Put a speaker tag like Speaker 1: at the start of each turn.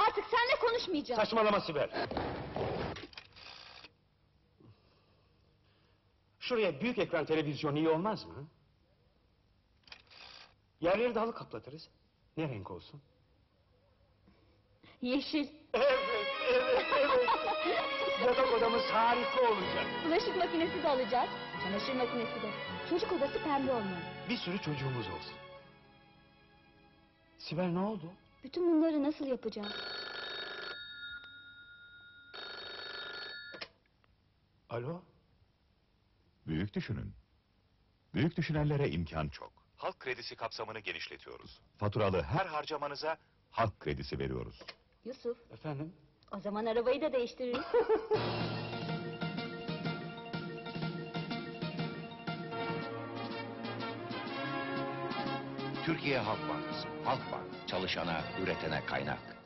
Speaker 1: Artık seninle konuşmayacağım.
Speaker 2: Saçmalama Sibel. Şuraya büyük ekran televizyon iyi olmaz mı? Yerleri de halı kaplatırız. Ne renk olsun?
Speaker 1: Yeşil.
Speaker 2: Evet. Yatak odamız harika olacak.
Speaker 1: Bulaşık makinesi de alacağız. Çamaşır makinesi de. Çocuk odası pembe olmalı.
Speaker 2: Bir sürü çocuğumuz olsun. Sibel ne oldu?
Speaker 1: Bütün bunları nasıl yapacağız?
Speaker 2: Alo?
Speaker 3: Büyük düşünün. Büyük düşünenlere imkan çok. Halk kredisi kapsamını genişletiyoruz. Faturalı her harcamanıza halk kredisi veriyoruz.
Speaker 1: Yusuf,
Speaker 2: Efendim?
Speaker 1: o zaman arabayı da değiştiririz.
Speaker 4: Türkiye Halk Bankası. Halk Bank. Çalışana, üretene kaynak.